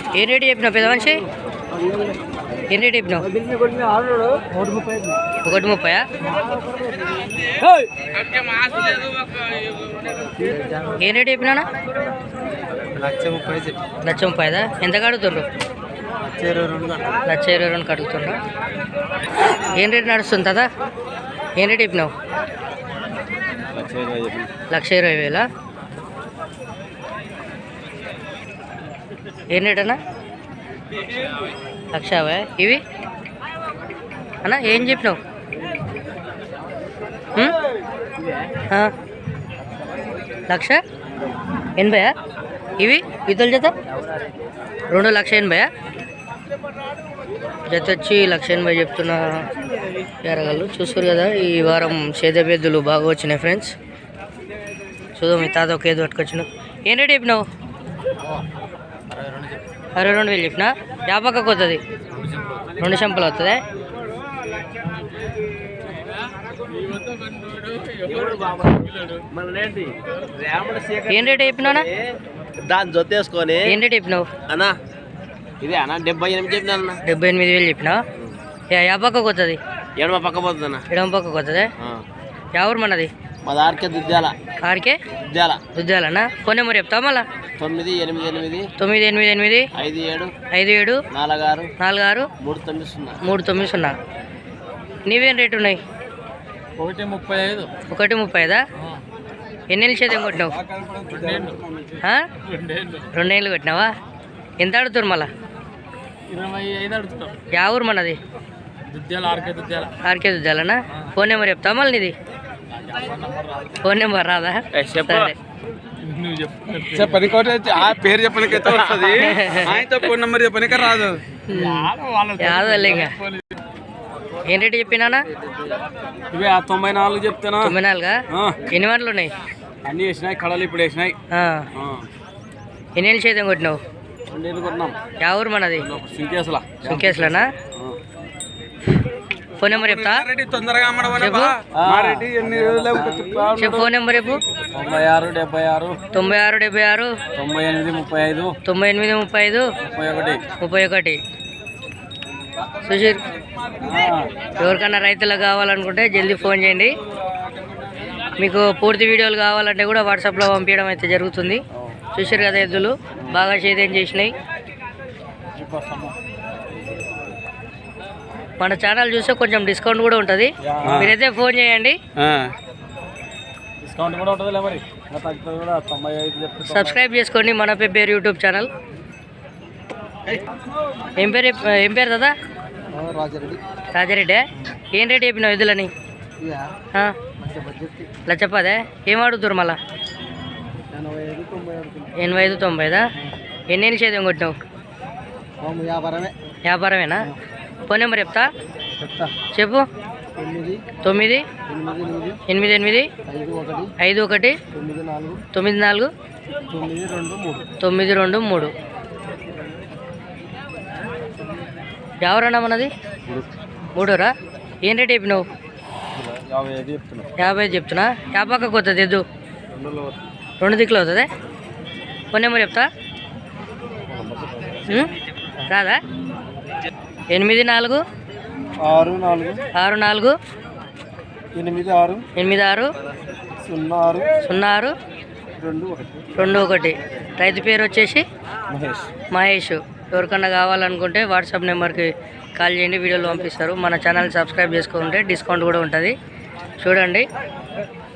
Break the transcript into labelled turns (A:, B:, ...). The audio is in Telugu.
A: ఏ రేటు చెప్పినావు పెద్ద మనిషి? ఏ రేటు చెప్పినావు? 1:30. ఏ రేటు చెప్పినా? 1,30,000. ఎంత కడుగుతుండ్రు? 1,22,000 కడుగుతుండ్రు. ఏం రేటు నడుస్తుంది కదా? ఏం రేటు చెప్పినావు? 1,20,000. ఏం రేట్ అన్నా? 1,50,000. ఇవి అన్నా ఏం చెప్పినావు? 1,80,000. ఇవి ఇతల జత 2,80,000. జత వచ్చి 1,80,000 చెప్తున్నా ఎరగళ్ళు. చూస్తారు కదా ఈ వారం సేదబెద్దులు బాగా వచ్చినాయి ఫ్రెండ్స్. చూద్దాం మీ తాత ఒక ఏదో పట్టుకొచ్చిన. ఏం రేట్ చెప్పినావు? 62,000 చెప్పినా. యాపక్కకు వస్తుంది 2 చెంపలు అవుతుంది. ఏం రేట్ చెప్పినా?
B: దాని జొత్తేసుకొని
A: ఏం రేట్ చెప్పినావు
B: అన్నా? ఇదే అన్న 78 చెప్పినా.
A: 78,000 చెప్పినా. యాపక్కకు వస్తుంది
B: ఎడమ పక్క పోతుంది అన్న.
A: ఎడమ పక్కకు వస్తుంది. ఎవరు మనది?
B: మా దారికే దుద్దాల.
A: ఆరికే దుద్దాలన్నా. ఫోన్ నెంబర్ చెప్తావా మళ్ళా?
B: 988
A: 988 57
B: 46
A: 46 390. నీవేం రేటు ఉన్నాయి?
B: 135.
A: 1:35. ఎన్నేళ్ళు చేద్దాం కొట్టినావు? 2 ఏళ్ళు కొట్టినావా? ఎంత అడుగుతారు మళ్ళా?
B: 25 అడుగుతాం.
A: యా ఊరు మనది? ఆర్కే దుద్దాలన్నా. ఫోన్ నెంబర్ చెప్తావా మళ్ళీ నీది? ఫోన్ నెంబర్ రాదా? సరే
B: చెప్పని పేరు చెప్పడానికి వస్తుంది. ఫోన్ నెంబర్ చెప్పనిక రాదు.
A: యాదలే ఇంకా. ఏం రేటు చెప్పినా?
B: ఇవి 94 చెప్తానా?
A: 94. ఎన్ని వంటలు ఉన్నాయి?
B: అన్ని వేసినాయి. కళలు ఇప్పుడు వేసినాయి.
A: ఎన్నేళ్ళు చేద్దాం కొట్టినావు?
B: 2 ఏళ్ళు కొట్టినాం.
A: యా ఊరు మనది? సుంకేసులనా. ఫోన్ నెంబర్ చెప్తా?
B: తొందరగా
A: చెప్పు ఫోన్ నెంబర్ చెప్పు.
B: 96 76
A: 96 76
B: 98 35
A: 31 సుశీర్. ఎవరికన్నా రైతులకు కావాలనుకుంటే జల్దీ ఫోన్ చేయండి. మీకు పూర్తి వీడియోలు కావాలంటే కూడా వాట్సాప్లో పంపించడం అయితే జరుగుతుంది. చూసారు కదా ఎద్దులు బాగా సేద్యం చేసినాయి. మన ఛానల్ చూస్తే కొంచెం డిస్కౌంట్ కూడా ఉంటుంది. మీరైతే ఫోన్ చేయండి. సబ్స్క్రైబ్ చేసుకోండి మన పేరు యూట్యూబ్ ఛానల్. ఏం పేరు దాదా? రాజారెడ్డి. ఏం రేట్ చెప్పినావు ఎద్దులని? 1,10,000. ఏం అడుగుతారు మళ్ళా? 85 90. ఎన్నేళ్ళు చేద్దాం కొట్టినావు? వ్యాపారమేనా? ఫోన్ నెంబర్ చెప్తా? చెప్పు. 9 88 51 94 923. ఎవరన్నా మనది? 3రా. ఏం రేట్ చెప్పినావు? 55 చెప్తున్నా. యాపక్కకు వస్తుంది ఎద్దు 2 దిక్కులు అవుతుంది. ఫోన్ నెంబర్ చెప్తా? రాదా? 84 64 86 06 21. రైతు పేరు వచ్చేసి మహేష్. ఎవరికన్నా కావాలనుకుంటే వాట్సాప్ నెంబర్కి కాల్ చేయండి, వీడియోలు పంపిస్తారు. మన ఛానల్ సబ్స్క్రైబ్ చేసుకుంటే డిస్కౌంట్ కూడా ఉంటుంది. చూడండి.